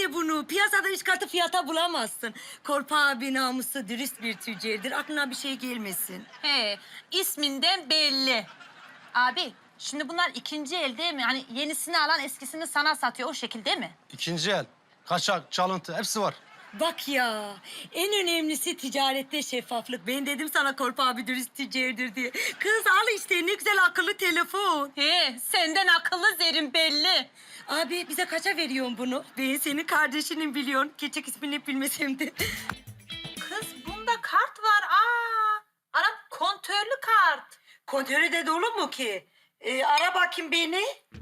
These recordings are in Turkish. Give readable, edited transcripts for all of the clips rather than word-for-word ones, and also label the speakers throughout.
Speaker 1: de bunu. Piyasada üç katı fiyata bulamazsın. Korpa abi namuslu, dürüst bir tüccardır. Aklına bir şey gelmesin.
Speaker 2: He, isminden belli. Abi, şimdi bunlar ikinci el değil mi? Hani yenisini alan eskisini sana satıyor o şekilde mi?
Speaker 3: İkinci el, kaçak, çalıntı hepsi var.
Speaker 1: Bak ya, en önemlisi ticarette şeffaflık. Ben dedim sana Korpa abi dürüst tüccardır diye. Kız al işte ne güzel akıllı telefon.
Speaker 2: He, senden akıllı Zerrin belli.
Speaker 1: Abi bize kaça veriyorsun bunu? Ben senin kardeşinin biliyorsun. Gerçek ismini bilmesem de.
Speaker 2: Kız bunda kart var. Anam kontörlü kart.
Speaker 1: Kontörü de dolu mu ki? Ara bakayım beni.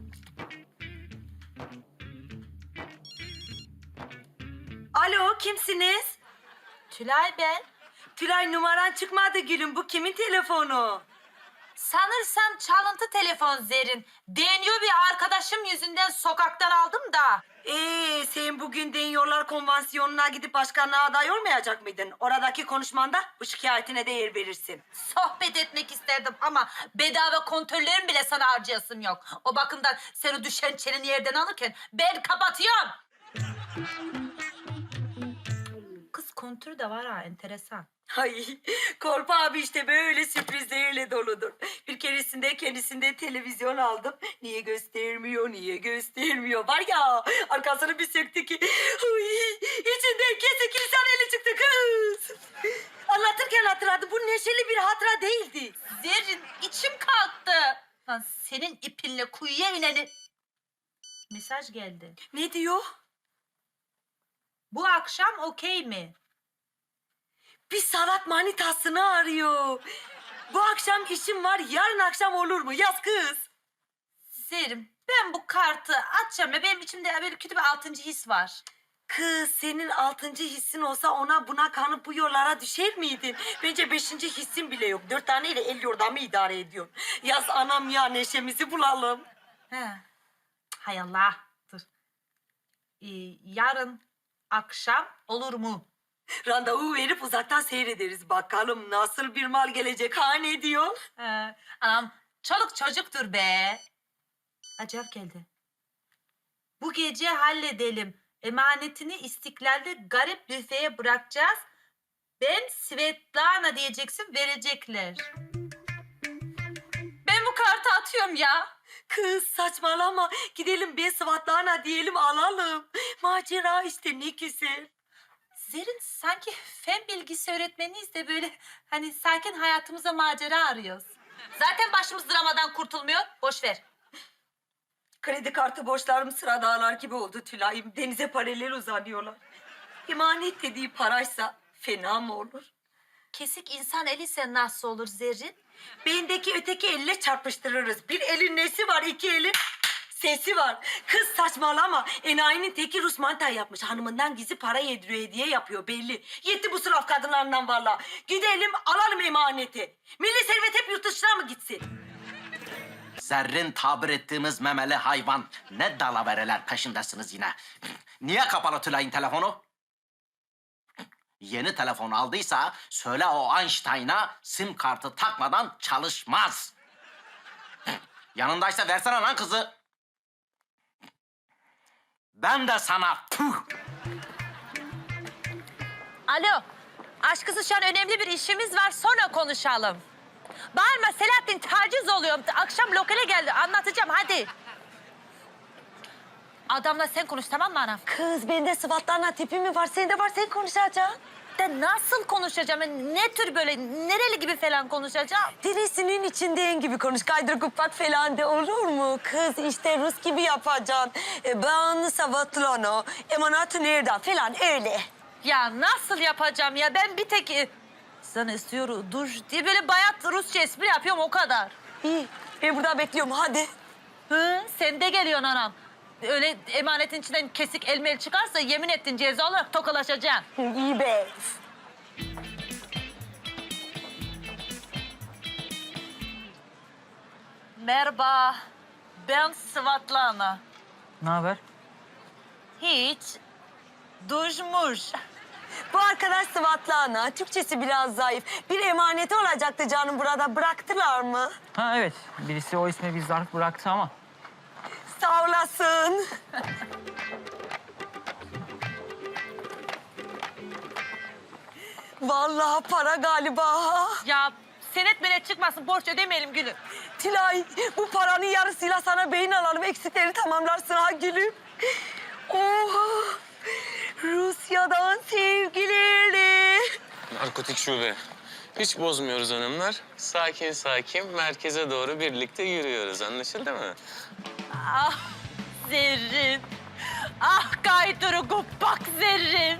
Speaker 1: Alo, kimsiniz?
Speaker 2: Tülay ben.
Speaker 1: Tülay numaran çıkmadı gülüm. Bu kimin telefonu?
Speaker 2: Sanırsam çalıntı telefon Zerrin. Deniyor bir arkadaşım yüzünden sokaktan aldım da.
Speaker 1: Sen bugün Deniyorlar Konvansiyonu'na gidip başkanlığa aday olmayacak mıydın? Oradaki konuşmanda bu şikayetine de yer verirsin.
Speaker 2: Sohbet etmek isterdim ama bedava kontörlerim bile sana harcayasım yok. O bakımdan sen o düşen çeneni yerden alırken ben kapatıyorum. Kız kontür de var ha enteresan.
Speaker 1: Ay, Korpa abi işte böyle sürprizlerle doludur. Bir keresinde kendisinde televizyon aldım. Niye göstermiyor, niye göstermiyor? Var ya, arkasını bir söktü ki... Ay, içinden kesik insan eli çıktı kız. Anlatırken hatırladım. Bu neşeli bir hatıra değildi.
Speaker 2: Zerrin içim kalktı. Lan senin ipinle kuyuya ineni... Mesaj geldi.
Speaker 1: Ne diyor?
Speaker 2: Bu akşam okey mi?
Speaker 1: Bir sanat manitasını arıyor. Bu akşam işim var, yarın akşam olur mu? Yaz kız.
Speaker 2: Zerrin ben bu kartı atacağım ya benim içimde böyle kötü bir altıncı his var.
Speaker 1: Kız senin altıncı hissin olsa ona buna kanıp bu yollara düşer miydin? Bence beşinci hissin bile yok. 4 taneyle el yordamı idare ediyorsun. Yaz anam ya neşemizi bulalım.
Speaker 2: He. Hay Allah. Dur. Yarın akşam olur mu?
Speaker 1: Randevu verip uzaktan seyrederiz. Bakalım nasıl bir mal gelecek ha ne diyor?
Speaker 2: Anam çoluk çocuktur be. Acayip geldi. Bu gece halledelim. Emanetini İstiklal'de garip büfeye bırakacağız. Ben Svetlana diyeceksin verecekler. Ben bu kartı atıyorum ya.
Speaker 1: Kız saçmalama. Gidelim bir Svatlana diyelim alalım. Macera işte ne güzel.
Speaker 2: Zerrin sanki fen bilgisi öğretmeniyiz de böyle hani sakin hayatımıza macera arıyoruz. Zaten başımız dramadan kurtulmuyor. Boş ver.
Speaker 1: Kredi kartı borçlarım sıra dağlar gibi oldu Tülay'ım. Denize paralel uzanıyorlar. Emanet dediği paraysa fena mı olur?
Speaker 2: Kesik insan eliyse nasıl olur Zerrin?
Speaker 1: Beyindeki öteki elle çarpıştırırız. Bir elin nesi var, iki elin sesi var. Kız saçmalama. Enayinin teki Rus manta yapmış. Hanımından gizli para yediriyor, hediye yapıyor belli. Yetti bu sıraf kadınlarından valla. Gidelim alalım emaneti. Milli servet hep yurt dışına mı gitsin?
Speaker 4: Zerrin tabir ettiğimiz memeli hayvan. Ne dalavereler peşindesiniz yine. Niye kapalı Tülay'ın telefonu? Yeni telefon aldıysa söyle o Einstein'a sim kartı takmadan çalışmaz. Yanındaysa versene lan kızı. Ben de sana puh.
Speaker 2: Alo. Aşkısı şu an önemli bir işimiz var. Sonra konuşalım. Bağırma Selahattin taciz oluyor. Akşam lokale geldi. Anlatacağım hadi. Adamla sen konuş tamam mı anam?
Speaker 1: Kız bende Svatlana tipi mi var? Sende var sen konuşacaksın.
Speaker 2: De nasıl konuşacağım? Ne tür böyle nereli gibi falan konuşacağım?
Speaker 1: Dirisinin içindeyim gibi konuş. Kaydır kupak falan de olur mu? Kız işte Rus gibi yapacaksın. Ben Svatlana, emanatı nereden falan öyle.
Speaker 2: Ya nasıl yapacağım ya? Ben bir tek sana istiyorum dur diye böyle bayat Rusça espri yapıyorum o kadar.
Speaker 1: İyi ben burada bekliyorum hadi.
Speaker 2: Hı, sen de geliyorsun anam. Öyle emanetin içinden kesik elmeli çıkarsa yemin ettin ceza olarak tokalaşacaksın.
Speaker 1: İyi be.
Speaker 2: Merhaba. Ben Svatlana.
Speaker 5: Ne haber?
Speaker 2: Hiç. Dujmuş.
Speaker 1: Bu arkadaş Svatlana. Türkçesi biraz zayıf. Bir emaneti olacaktı canım burada. Bıraktılar mı?
Speaker 5: Ha evet. Birisi o isme bir zarf bıraktı ama.
Speaker 1: Sağ olasın. Vallahi para galiba.
Speaker 2: Ya senet menet çıkmasın, borç ödemeyelim gülüm.
Speaker 1: Tülay, bu paranın yarısıyla sana beyin alalım. Eksikleri tamamlarsın ha gülüm. Oha! Rusya'dan sevgilerle.
Speaker 6: Narkotik şube. Hiç bozmuyoruz hanımlar. Sakin sakin merkeze doğru birlikte yürüyoruz. Anlaşıldı mı?
Speaker 2: Ah Zerrin. Ah Kayturu Guppak Zerrin.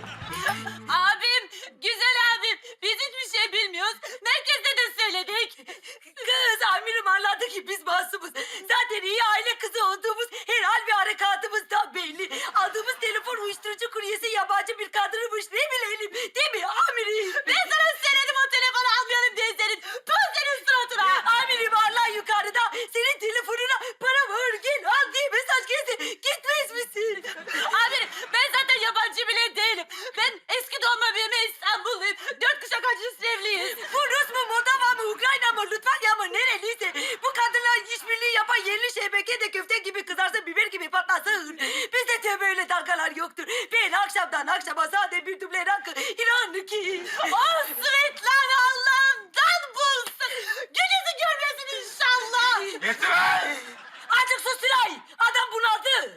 Speaker 2: Abim, güzel abim. Biz hiçbir şey bilmiyoruz. Merkezde de söyledik.
Speaker 1: Kız amirim anladı ki biz masumuz. Zaten iyi aile kızı olduğumuz her hal ve harekatımız da belli. Aldığımız telefon uyuşturucu kuryesi yabancı bir kadınmış. Ne bilelim değil mi amirim?
Speaker 2: Ben sana söyledim o telefonu almayalım diye senin. Tuz senin suratına.
Speaker 1: Amirim Allah yukarıda senin telefonuna para var gel al diye mesaj geldi. Gitmez misin?
Speaker 2: Amirim, ben zaten yabancı bile değilim. Ben eski doğma büyüme İstanbulluyum. 4 kuşak acısı evliyiz.
Speaker 1: Bu Rus mu, Moldova mı, Ukrayna mı, Litvanya mı nereliyse bu kadınlar işbirliği yapan yerli şebeke de köfte gibi kızarsın, biber gibi patlasın. Bizde de böyle dalgalar yoktur. Ben akşamdan akşama sade bir duble rakı inan ki.
Speaker 2: Oh Svetlana Allah'ından bulsun. Gününüzü görmesin inşallah.
Speaker 1: Azıcık sus Tülay. Adam bunaldı.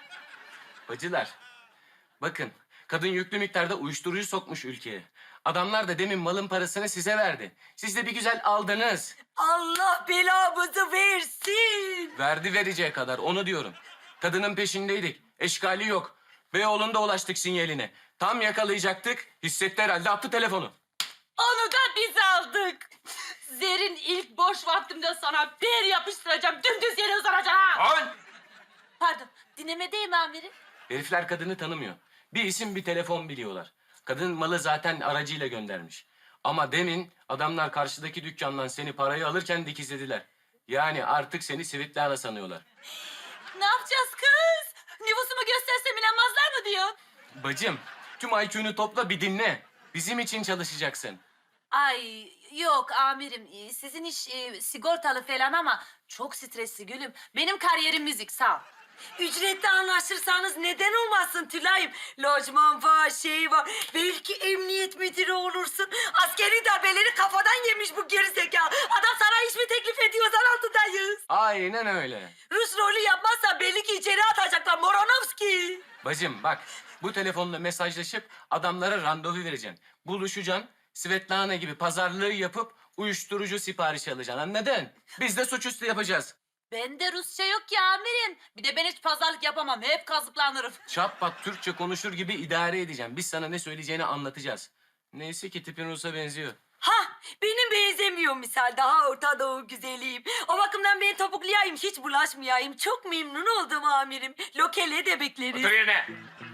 Speaker 6: Bacılar, bakın kadın yüklü miktarda uyuşturucu sokmuş ülkeye. Adamlar da demin malın parasını size verdi. Siz de bir güzel aldınız.
Speaker 1: Allah belamızı versin.
Speaker 6: Verdi vereceği kadar onu diyorum. Kadının peşindeydik. Eşkali yok. Beyoğlu'nda ulaştık sinyaline. Tam yakalayacaktık. Hissetti herhalde attı telefonu.
Speaker 2: Onu da biz aldık. Zerrin ilk boş vaktimde sana bir yapıştıracağım. Dümdüz yere uzanacağım ha. Pardon, dinlemedeyim amirim.
Speaker 6: Herifler kadını tanımıyor. Bir isim bir telefon biliyorlar. Kadın malı zaten aracıyla göndermiş. Ama demin adamlar karşıdaki dükkandan seni parayı alırken dikizlediler. Yani artık seni Svetlana sanıyorlar.
Speaker 2: Ne yapacağız kız? Nüfusumu göstersem inanmazlar mı diyor?
Speaker 6: Bacım, tüm IQ'nu topla bir dinle. Bizim için çalışacaksın.
Speaker 2: Ay yok amirim, sizin iş sigortalı falan ama çok stresli gülüm. Benim kariyerim müzik, sağ ol.
Speaker 1: Ücretli anlaşırsanız neden olmasın Tülay'ım? Lojman var, şey var. Belki emniyet müdürü olursun. Askeri darbeleri kafadan yemiş bu gerizekalı. Adam sana iş mi teklif ediyor? Zan altındayız.
Speaker 6: Aynen öyle.
Speaker 1: Rus rolü yapmazsa belli ki içeri atacaklar Moronovski.
Speaker 6: Bacım bak, bu telefonla mesajlaşıp adamlara randevu vereceksin. Buluşacaksın, Svetlana gibi pazarlığı yapıp uyuşturucu siparişi alacaksın, anladın? Biz de suçüstü yapacağız.
Speaker 2: Bende Rusça yok ya amirim. Bir de ben hiç pazarlık yapamam. Hep kazıklanırım.
Speaker 6: Çatpat Türkçe konuşur gibi idare edeceğim. Biz sana ne söyleyeceğini anlatacağız. Neyse ki tipin Rus'a benziyor.
Speaker 1: Ha, benim benzemiyor misal. Daha Orta Doğu güzeliyim. O bakımdan ben topuklayayım, hiç bulaşmayayım. Çok memnun oldum amirim. Lokele de bekleriz.
Speaker 6: yerine.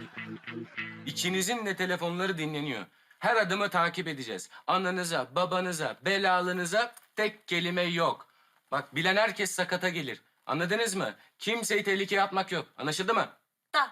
Speaker 6: İkinizin de telefonları dinleniyor. Her adımı takip edeceğiz. Ananıza, babanıza, belalınıza tek kelime yok. Bak bilen herkes sakata gelir. Anladınız mı? Kimseyi tehlikeye atmak yok. Anlaşıldı mı?
Speaker 2: Da.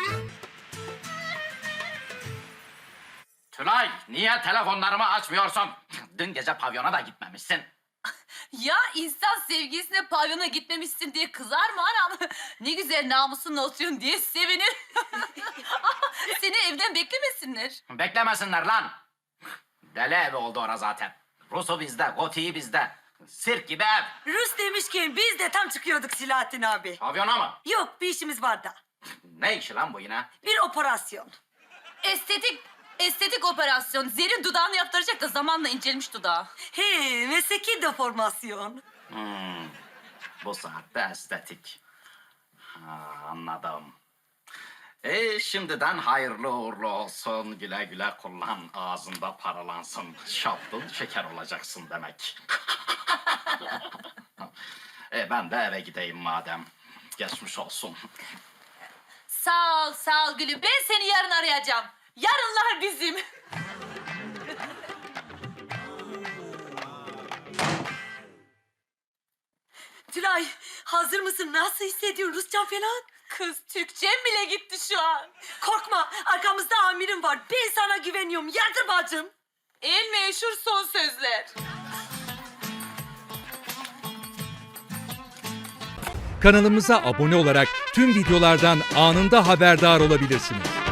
Speaker 4: Tülay, niye telefonlarımı açmıyorsun? Dün gece pavyona da gitmemişsin.
Speaker 2: Ya insan sevgilisine pavyona gitmemişsin diye kızar mı anam? Ne güzel namusunla oturuyorsun diye sevinir. Seni evden beklemesinler.
Speaker 4: Beklemesinler lan. Deli evi oldu ora zaten. Rus'u bizde, Goti'yi bizde. Sirk gibi ev.
Speaker 1: Rus demişken biz de tam çıkıyorduk Silahattin abi.
Speaker 4: Pavyona mı?
Speaker 1: Yok, bir işimiz var da.
Speaker 4: Ne işi lan bu yine?
Speaker 1: Bir operasyon.
Speaker 2: Estetik operasyon. Zerrin dudağını yaptıracak da zamanla incelmiş dudağı.
Speaker 1: He, mesleki deformasyon.
Speaker 4: Bu saatte estetik. Ha, anladım. Şimdiden hayırlı uğurlu olsun. Güle güle kullan. Ağzında paralansın. Şaptın şeker olacaksın demek. Ben de eve gideyim madem. Geçmiş olsun.
Speaker 2: Sağ ol gülüm. Ben seni yarın arayacağım. Yarınlar bizim.
Speaker 1: Tülay, hazır mısın? Nasıl hissediyorsun? Rusça falan?
Speaker 2: Kız Türkçem bile gitti şu an.
Speaker 1: Korkma, arkamızda amirim var. Ben sana güveniyorum. Yardır bacım.
Speaker 2: En meşhur son sözler.
Speaker 7: Kanalımıza abone olarak tüm videolardan anında haberdar olabilirsiniz.